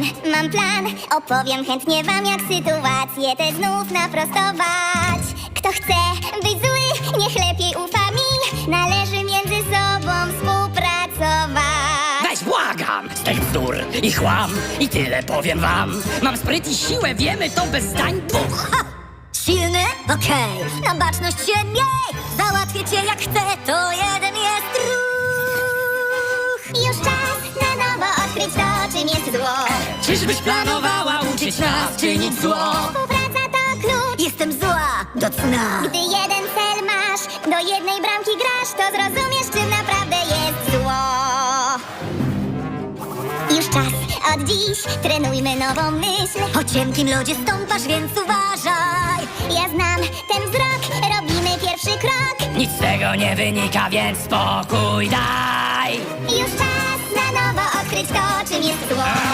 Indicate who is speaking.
Speaker 1: mam plan. Opowiem chętnie wam, jak sytuację tę znów naprostować. Kto chce być zły, niech lepiej ufa mi. Należy między sobą współpracować.
Speaker 2: Weź, błagam! Z tych bzdur i chłam i tyle powiem wam. Mam spryt i siłę, wiemy to bez zdań dwóch.
Speaker 3: Ha! Silny? Okej. Na baczność się miej! Załatwię cię jak chcę, to jeden jest ruch.
Speaker 1: Już czas na nowo odkryć to, czym jest zło.
Speaker 2: Czyżbyś planowała uczyć nas czynić zło?
Speaker 1: Współpraca to klucz.
Speaker 3: Jestem zła do cna.
Speaker 1: Gdy jeden cel masz, do jednej bramki grasz, to zrozumiesz, czym naprawdę jest zło. Już czas od dziś, trenujmy nową myśl.
Speaker 3: Po cienkim lodzie stąpasz, więc uważaj.
Speaker 1: Ja znam ten wzrok, robimy pierwszy krok.
Speaker 2: Nic z tego nie wynika, więc spokój daj.
Speaker 1: Już czas na nowo odkryć to, czym jest zło.